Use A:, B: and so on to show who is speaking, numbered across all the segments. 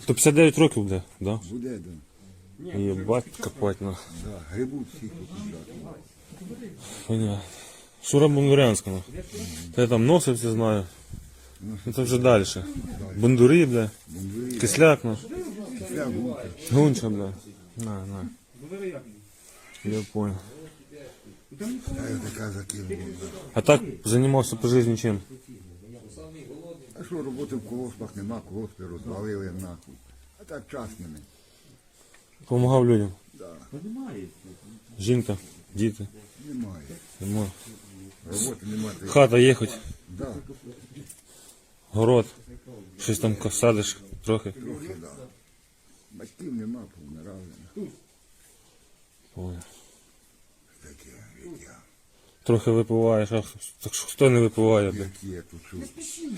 A: То 59 років буде, да?
B: Буде, да.
A: Єбать, копать, на.
B: Да. Грибуть всіх покупляти.
A: Понятно. Шура Бондарянська, на. Та я там носився знаю. Ну це вже далі. Бондури, бля. Кисляк, на.
B: Кисляк, гунка.
A: Гунча, бля. На. Я понял.
B: Та я така закинула.
A: А так займався по житті чим?
B: А що, роботи в колоспах нема, колоспи розвалили нахуй. А так час нема.
A: Помагав людям.
B: Да.
A: Жінка, діти.
B: Немає.
A: Нема.
B: Роботи немає.
A: Хата є хоч,
B: Да.
A: город. Щось там садиш трохи.
B: Трохи, да. Батьків нема, повмирали.
A: Понял.
B: Таке життя.
A: Трохи випиваєш, а так що хто не випиває, бля?
B: Які я тут чув.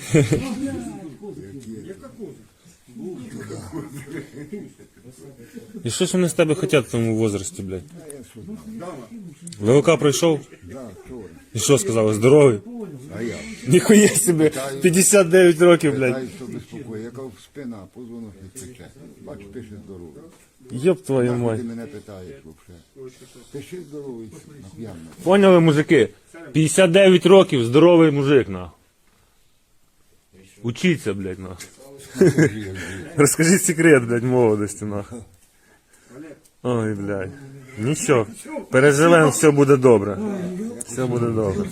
A: І що ж вони з тебе хочуть в тому возрасті, блядь?
B: А я що знаю.
A: ВЛК пройшов?
B: Да, вчора.
A: І що сказали? Здоровий?
B: А я?
A: Ніхуя собі, 59 років, блядь.
B: Питаю, що безпокоїть. Я кажу, спина, позвонок не пече. Бачу, пише здоровий.
A: Йоп твою
B: Нахуй
A: мать.
B: ти мене питаєш взагалі. Пиши здоровий, нап'явно.
A: Поняли, мужики? 59 років, здоровий мужик, на. Учіться, блядь, на. Розкажіть секрет, блядь, молодості, на. Ой, блядь. Нічого. Переживемо, все буде добре. Все буде добре.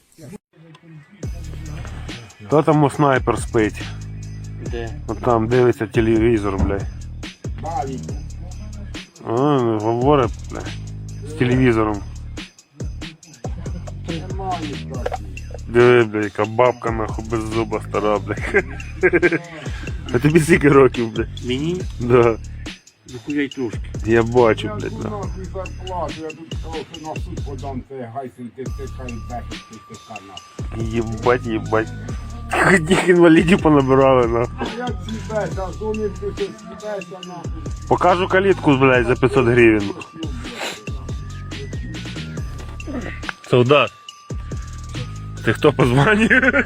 A: Хто там у снайпер спить?
C: Де?
A: От там дивиться телевізор, блядь. Говорить, блядь, з телевізором. Диви, блядь, яка бабка, нахуй, без зуба стара, блядь. А тобі скільки років, блядь?
C: Мені?
A: Да.
C: Нахуя й трошки.
A: Я бачу, блядь, да.
D: Нахуй зарплату, я тут сказав, що на суд подам, це гайсен, ти стикай, бехи, ти стикай, нахуй.
A: Єбать. Одних інвалідів понабирали, нахуй.
D: Я ціпеся, а то не ти ціпеся, нахуй.
A: Покажу калітку, блядь, за 500 гривень. Солдат. Ти хто по званню?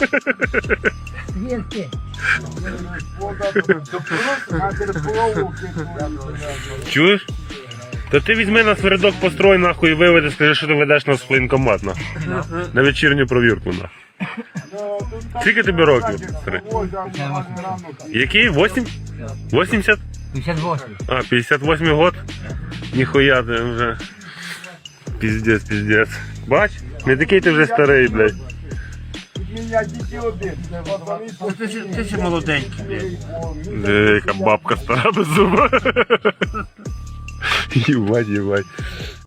D: На терплову
A: Чуєш? То ти візьми нас в рядок построй, нахуй, і виведи, скажи, що ти ведеш нас в воєнкомат, нахуй. На вечірню провірку, нахуй. Скільки тобі років? Який? 8? 80?
C: 58.
A: А, 58 год? Ніхуя ти вже. Піздець. Бач? Не такий ти вже старий, блядь.
D: Мене тільки один.
C: Ти ще молоденький, блядь.
A: Яка бабка стара без зуба. Єбать.